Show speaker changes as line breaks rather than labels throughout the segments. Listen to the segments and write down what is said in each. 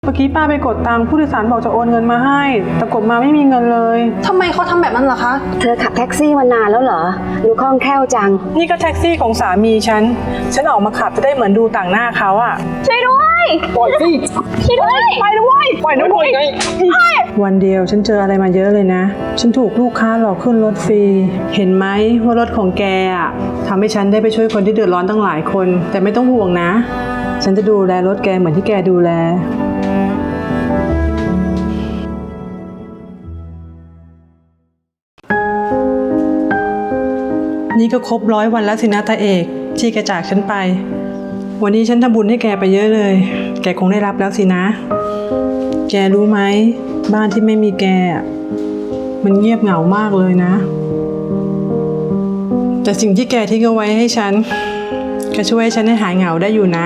เมื่อกี้ป้าไปกดตังค์ผู้โดยสารบอกจะโอนเงินมาให้แต่กดมาไม่มีเงินเลย
ทำไมเขาทำแบบนั้นล่ะคะ
เธอขับแท็กซี่มานานแล้วเหรอดูคล่องแคล่วจัง
นี่ก็แท็กซี่ของสามีฉันออกมาขับจะได้เหมือนดูต่างหน้าเขาอะ
ช่วยด้วย
ปล่อยสิ
ช่วยด้วย
ไปด้วยปล่อยด้วยไงวันเดียวฉันเจออะไรมาเยอะเลยนะฉันถูกลูกค้าหลอกขึ้นรถฟรีเห็นไหมว่ารถของแกอะทำให้ฉันได้ไปช่วยคนที่เดือดร้อนตั้งหลายคนแต่ไม่ต้องห่วงนะฉันจะดูแลรถแกเหมือนที่แกดูแลนี่ก็ครบ100 วันแล้วสินะตาเอกที่แกจากฉันไปวันนี้ฉันทำบุญให้แกไปเยอะเลยแกคงได้รับแล้วสินะแกรู้ไหมบ้านที่ไม่มีแกมันเงียบเหงามากเลยนะแต่สิ่งที่แกทิ้งเอาไว้ให้ฉันก็ช่วยให้ฉันให้หายเหงาได้อยู่นะ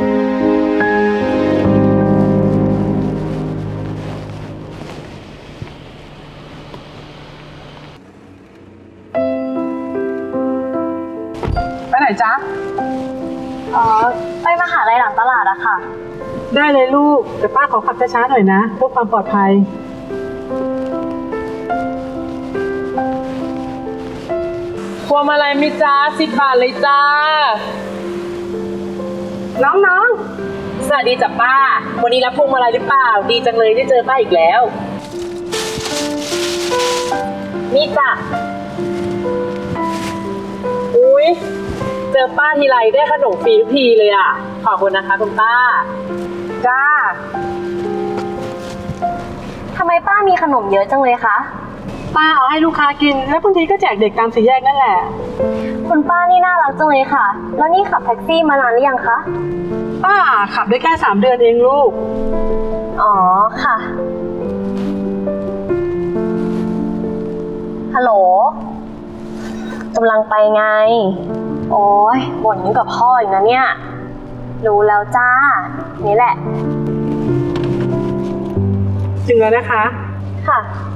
ไปไหนจ๊ะ
ไปมหาลัยหลังตลาดอะค่ะ
ได้เลยลูกแต่ป้าขอขับช้าๆหน่อยนะเพื่อความปลอดภัย
พวงมาลัยมิจ้า10 บาทเลยจ้า
น้อง
สวัสดีจ้ะป้าวันนี้รับพวงมาลัยหรือเปล่าดีจังเลยได้เจอป้าอีกแล้วนี่จ้ะอุ๊ยเจอป้าทีไรได้ขนมฟรีทุกทีเลยอ่ะขอบคุณนะคะคุณป้า
จ้า
ทำไมป้ามีขนมเยอะจังเลยคะ
ป้าเอาให้ลูกค้ากินแล้วบางทีก็แจกเด็กตามสี่แยกนั่นแหละ
คุณป้านี่น่ารักจังเลยค่ะแล้วนี่ขับแท็กซี่มานานหรือยังคะ
ป้าขับได้แค่3 เดือนเองลูก
อ๋อค่ะฮัลโหลกำลังไปไงโอ้ยบ่นยิ่งกับพ่ออีกนะเนี่ยรู้แล้วจ้านี่แหละ
ถึงแล้วนะคะ
ค่ะ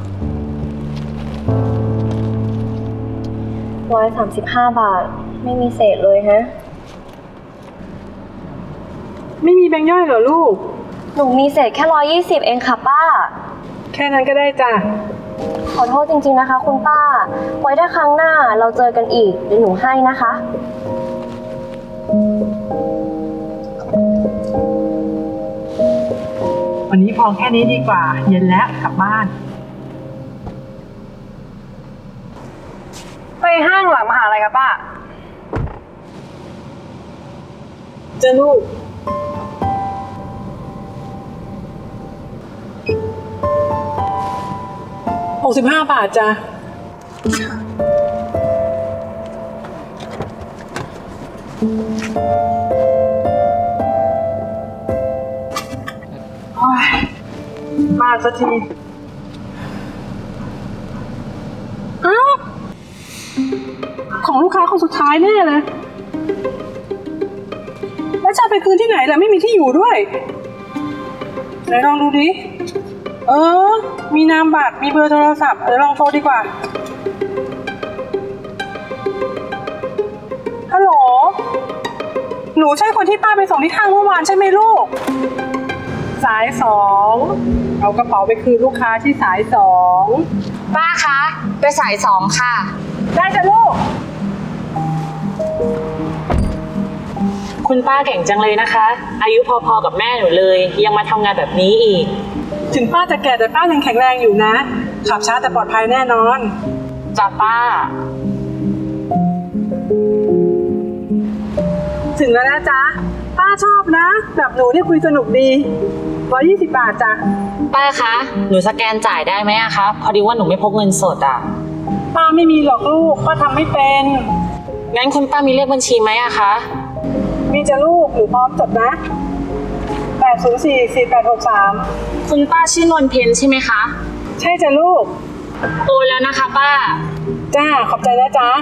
135 บาทไม่มีเศษเลยฮะ
ไม่มีแบงค์ย่อยเหรอลูก
หนูมีเศษแค่120เองค่ะป้า
แค่นั้นก็ได้จ้ะ
ขอโทษจริงๆนะคะคุณป้าไว้ถ้าครั้งหน้าเราเจอกันอีกเดี๋ยวหนูให้นะคะ
วันนี้พอแค่นี้ดีกว่าเย็นแล้วกลับบ้าน
ไปห้างหลังมหาลัยกับป้า
เจอลูก65 บาทจ้ะมาสักทีอ้าวของลูกค้าคนสุดท้ายแน่เลยแล้วจะไปคืนที่ไหนล่ะไม่มีที่อยู่ด้วยไหนลองดูดิมีนามบัตรมีเบอร์โทรศัพท์เดี๋ยวลองโทรดีกว่าฮัลโหลหนูใช่คนที่ป้าไปส่งที่ห้างเมื่อวานใช่ไหมลูกสาย2เอากระเป๋าไปคืนลูกค้าที่สาย2
ป้าคะไปสาย2ค่ะ
ได้จ้ะลูก
คุณป้าเก่งจังเลยนะคะอายุพอๆกับแม่หนูเลยยังมาทำงานแบบนี้อีก
ถึงป้าจะแก่แต่ป้ายังแข็งแรงอยู่นะขับช้าแต่ปลอดภัยแน่นอน
จ้ะป้า
ถึงแล้วนะจ๊ะป้าชอบนะแบบหนูนี่คุยสนุกดี120 บาทจ้ะ
ป้าคะหนูสแกนจ่ายได้ไหมอะคะพอดีว่าหนูไม่พกเงินสดอะ
ป้าไม่มีหรอกลูกป้าทำไม่เป็น
งั้นคุณป้ามีเลขบัญชีไหมอะคะ
มีจ้ะลูกหนูพร้อมจดนะ8044863
คุณป้าชื่อนวลเพ็ญใช่ไหมคะ
ใช่จ้ะลูก
โอนแล้วนะคะป้า
จ้าขอบใจนะจ๊ะ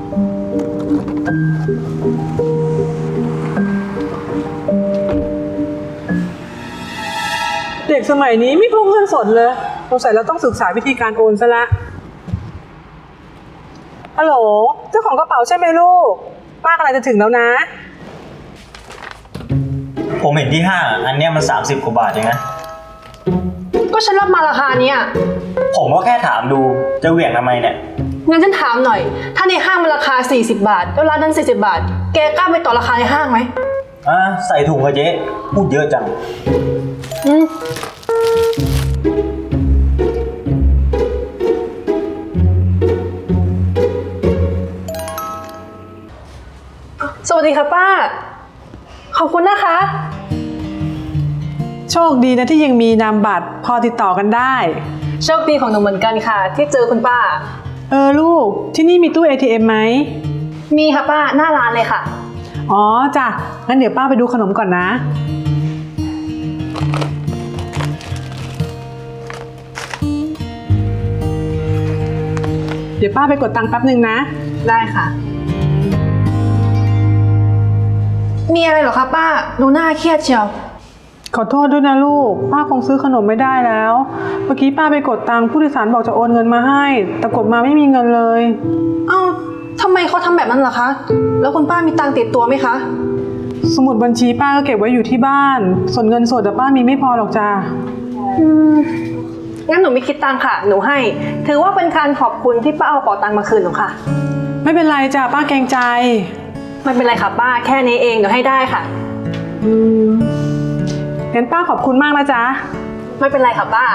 เด็กสมัยนี้ไม่พกเงินสดเลยสงสัยเราต้องศึกษาวิธีการโอนซะละฮัลโหลเจ้าของกระเป๋าใช่ไหมลูกป้ากำลังจะถึงแล้วนะ
ผมเห็นที่ห้างอันเนี้ยมัน30 กว่าบาทเองนะก็ฉันรับมาราคาเนี้ย
ผมก็แค่ถามดูจะเหวี่ยงทำไมเนี่ย
งั้นฉันถามหน่อย ถ้าในห้างมันราคา 40 บาท แล้วร้านนั้น 40 บาท แกกล้าไปต่อราคาในห้างไหม
ใส่ถุงกระเจ๊พูดเยอะจัง
สวัสดีค่ะป้า ขอบคุณนะคะ
โชคดีนะที่ยังมีนามบัตรพอติดต่อกันได้
โชคดีของหนูเหมือนกันค่ะ ที่เจอคุณป้า
ลูกที่นี่มีตู้ ATM ไหม
มีค่ะป้าหน้าร้านเลยค่ะ
อ๋อจ้ะงั้นเดี๋ยวป้าไปดูขนมก่อนนะ เดี๋ยวป้าไปกดตังค์แป๊บนึงนะ
ได้ค่ะ มีอะไรเหรอคะป้าดูหน้าเครียดเชียว
ขอโทษด้วยนะลูก ป้าคงซื้อขนมไม่ได้แล้ว เมื่อกี้ป้าไปกดตังค์ผู้โดยสารบอกจะโอนเงินมาให้ แต่กดมาไม่มีเงินเลย
เอ้าทำไมเขาทำแบบนั้นล่ะคะ แล้วคุณป้ามีตังค์ติดตัวไหมคะ
สมุดบัญชีป้าก็เก็บไว้อยู่ที่บ้าน ส่วนเงินสดแต่ป้ามีไม่พอหรอกจ้า
งั้นหนูไม่คิดตังค่ะ หนูให้ ถือว่าเป็นการขอบคุณที่ป้าเอาเป๋าตังค์มาคืนหนูค่ะ
ไม่เป็นไรจ้าป้าเกรงใจ
ไม่เป็นไรค่ะป้า แค่นี้เองเดี๋ยวให้ได้ค่ะ
งั้นป้าขอบคุณมากนะจ๊ะ
ไม่เป็นไรค่ะป้า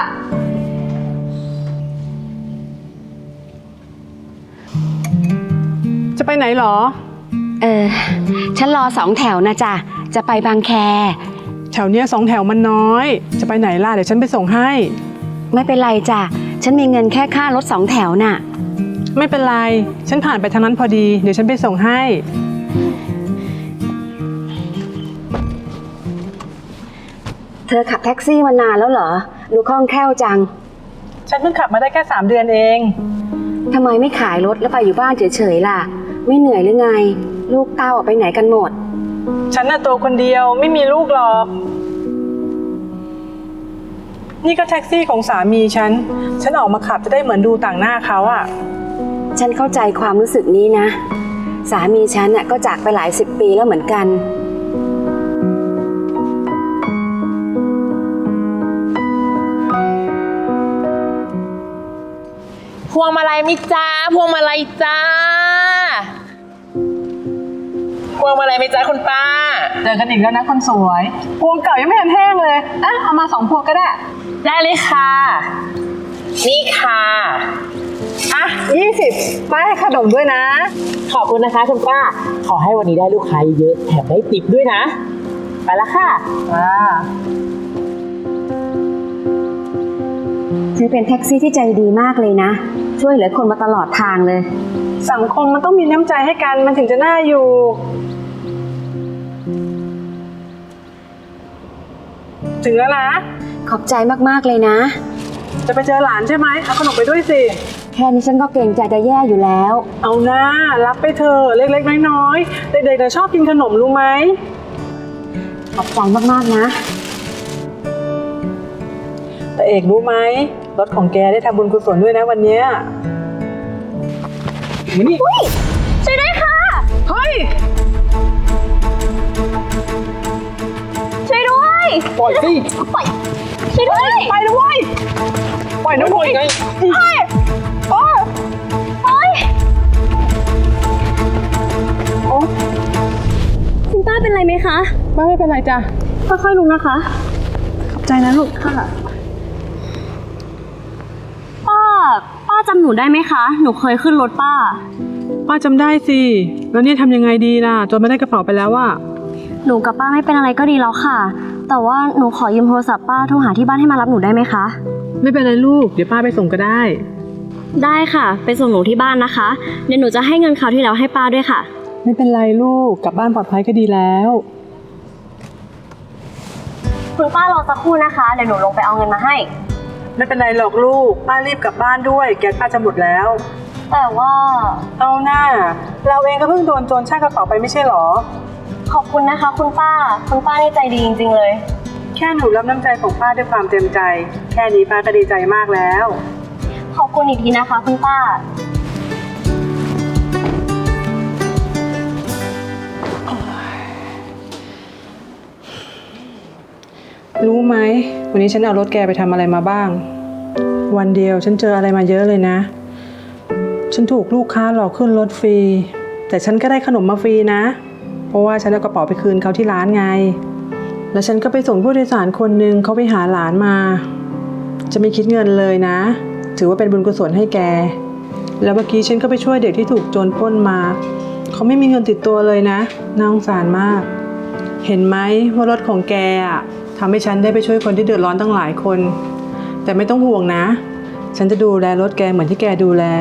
จะไปไหนหรอ
ฉันรอ2 แถวนะจ๊ะ จะไปบางแค
แถวเนี้ย2 แถวมันน้อย จะไปไหนล่ะเดี๋ยวฉันไปส่งให้
ไม่เป็นไรจ้ะ ฉันมีเงินแค่ค่ารถ2 แถวน่ะ
ไม่เป็นไร ฉันผ่านไปทางนั้นพอดี เดี๋ยวฉันไปส่งให้
เธอขับแท็กซี่มานานแล้วเหรอ ดูคล่องแคล่วจัง
ฉันเพิ่งขับมาได้แค่3 เดือนเอง
ทำไมไม่ขายรถแล้วไปอยู่บ้านเฉยๆล่ะ ไม่เหนื่อยหรือไง ลูกเต้าออกไปไหนกันหมด
ฉันน่ะตัวคนเดียวไม่มีลูกหรอก นี่ก็แท็กซี่ของสามีฉันออกมาขับจะได้เหมือนดูต่างหน้าเขาอะ
ฉันเข้าใจความรู้สึกนี้นะ สามีฉันน่ะก็จากไปหลาย10 ปีแล้วเหมือนกัน
พวงมาลัยมิจ้าพวงมาลัยจ้าพวงมาลัยมิจ้าคุณป้า
เจอกันอีกแล้วนะคนสวยพวงเก่ายังไม่ทันแห้งเลยเอามา2 พวงก็ได้
ได้เลยค่ะ นี่ค่ะ
20ป้าให้ขนมด้วยนะ
ขอบคุณนะคะคุณป้า ขอให้วันนี้ได้ลูกค้าเยอะแถมได้ติปด้วยนะ ไปละค่ะ
เธอเป็นแท็กซี่ที่ใจดีมากเลยนะ ช่วยเหลือคนมาตลอดทางเลย
สังคมมันต้องมีน้ำใจให้กันมันถึงจะน่าอยู่ ถึงแล้วนะ
ขอบใจมากๆเลยนะ
จะไปเจอหลานใช่ไหมเอาขนมไปด้วยสิ
แค่นี้ฉันก็เกรงใจจะแย่อยู่แล้ว
เอาหน้ารับไปเถอะเล็กๆน้อยๆเด็กๆชอบกินขนมรู้ไหม
ขอบใจมากๆนะ
แต่เอกรู้ไหมรถของแกได้ทำบุญกุศลด้วยนะวันเนี้ยมานี่
ช่วยด้วยค่ะ
เฮ้ย
ช่วยด้วย
ปล่อยสิ
ช่วยด้วย
ไปนะเว้ยปล่อยนะเว้ยไง
โอ๊ยคุณป้าเป็นไรไหมคะ
ไม่เป็นไรจ้ะ
ค่อยๆลุกนะคะ
ขอบใจนะลูก
ป้าจำหนูได้ไหมคะ หนูเคยขึ้นรถป้า
ป้าจำได้สิแล้วเนี่ยทำยังไงดีล่ะจนไม่ได้กระเป๋าไปแล้วอะ
หนูกับป้าไม่เป็นอะไรก็ดีแล้วค่ะ แต่ว่าหนูขอยืมโทรศัพท์ป้าโทรหาที่บ้านให้มารับหนูได้ไหมคะ
ไม่เป็นไรลูกเดี๋ยวป้าไปส่งก็ได้
ได้ค่ะ ไปส่งหนูที่บ้านนะคะ เดี๋ยวหนูจะให้เงินคราวที่แล้วให้ป้าด้วยค่ะ
ไม่เป็นไรลูกกลับบ้านปลอดภัยก็ดีแล้ว
คุณป้ารอสักครู่นะคะ เดี๋ยวหนูลงไปเอาเงินมาให้
ไม่เป็นไรหรอกลูกป้ารีบกลับบ้านด้วยแก๊สป้าจะหมดแล้ว
แต่ว่า
เอาหน้าเราเองก็เพิ่งโดนโจรชากกระเป๋าไปไม่ใช่หรอ
ขอบคุณนะคะ คุณป้านี่ใจดีจริงๆเลย
แค่หนูรับน้ำใจของป้าด้วยความเต็มใจ แค่นี้ป้าก็ดีใจมากแล้ว
ขอบคุณอีกทีนะคะ คุณป้า
รู้ไหมวันนี้ฉันเอารถแกไปทำอะไรมาบ้าง วันเดียวฉันเจออะไรมาเยอะเลยนะ ฉันถูกลูกค้าหลอกขึ้นรถฟรีแต่ฉันก็ได้ขนมมาฟรีนะเพราะว่าฉันเอากระเป๋าไปคืนเขาที่ร้านไงแล้วฉันก็ไปส่งผู้โดยสารคนหนึ่งเขาไปหาหลานมาจะไม่คิดเงินเลยนะถือว่าเป็นบุญกุศลให้แกแล้วเมื่อกี้ฉันก็ไปช่วยเด็กที่ถูกโจรปล้นมาเขาไม่มีเงินติดตัวเลยนะน่าสงสารมากเห็นไหมว่ารถของแกอะทำให้ฉันได้ไปช่วยคนที่เดือดร้อนตั้งหลายคนแต่ไม่ต้องห่วงนะฉันจะดูแลรถแกเหมือนที่แกดูแล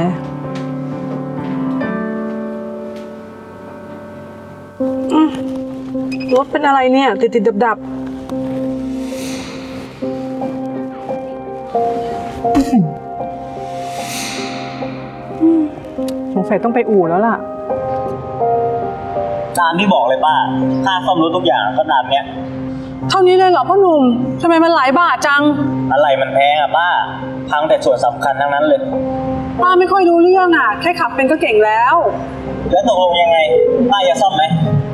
รถเป็นอะไรเนี่ยติดดับสงสัยต้องไปอู่แล้วล่ะ
ตามที่บอกเลยป้า ค่าซ่อมรถทุกอย่างก็ตามเนี้ย
เท่านี้เลยเหรอพ่อหนุ่มทำไมมันหลายบาทจัง
อะไรมันแพงอะป้า พังแต่ส่วนสำคัญทั้งนั้นเลย
ป้าไม่ค่อยรู้เรื่องอ่ะแค่ขับเป็นก็เก่งแล้ว
แล้วตกลงยังไง ป้าจะซ่อมไหม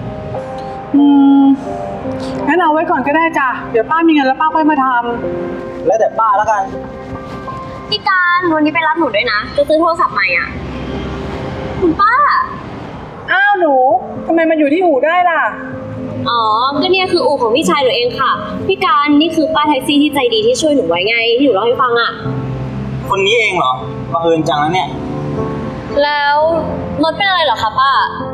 งั้นเอาไว้ก่อนก็ได้จ้ะเดี๋ยวป้ามีเงินแล้วป้าค่อยมาท
แล้วแต่ป้าแล้วกัน
พี่การวันนี้ไปรับหนูด้วยนะ จะซื้อโทรศัพท์ใหม่อ่ะ คุณป้า
ำอ้าวหนูทำไมมันอยู่ที่อู่ได้ล่ะ
อ๋อ ก็เนี่ยคืออู่ของพี่ชายหนูเองค่ะ พี่การนี่คือป้าแท็กซี่ที่ใจดีที่ช่วยหนูไว้ไงที่หนูเล่าให้ฟังอ่ะ
คนนี้เองเหรอบังเอิญจังแล้วเนี่ย
แล้วรถเป็นอะไรเหรอคะป้า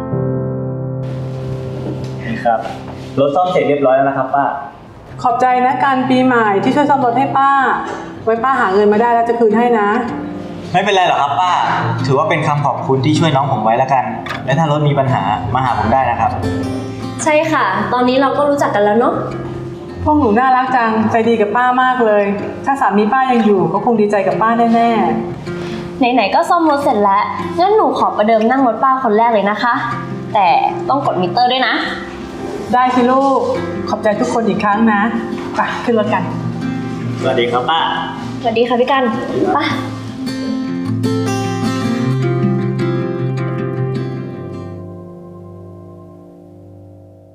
นี่ครับ รถซ่อมเสร็จเรียบร้อยแล้วนะครับป้า
ขอบใจนะการปีใหม่ที่ช่วยซ่อมรถให้ป้า ไว้ป้าหาเงินมาได้แล้วจะคืนให้นะ
ไม่เป็นไรหรอกครับป้า ถือว่าเป็นคำขอบคุณที่ช่วยน้องผมไว้แล้วกัน และถ้ารถมีปัญหามาหาผมได้นะครับ
ใช่ค่ะ ตอนนี้เราก็รู้จักกันแล้วเนาะ
พวกหนูน่ารักจังใจดีกับป้ามากเลย ถ้าสามีป้ายังอยู่ก็คงดีใจกับป้าแน่
ไหนๆก็ซ่อมรถเสร็จแล้ว งั้นหนูขอประเดิมนั่งรถป้าคนแรกเลยนะคะ แต่ต้องกดมิเตอร์ด้วยนะ
ๆได้สิลูกขอบใจทุกคนอีกครั้งนะไปขึ้นรถกัน
สวัสดีครับป้า
สวัสดีค่ะพี่กันไป้า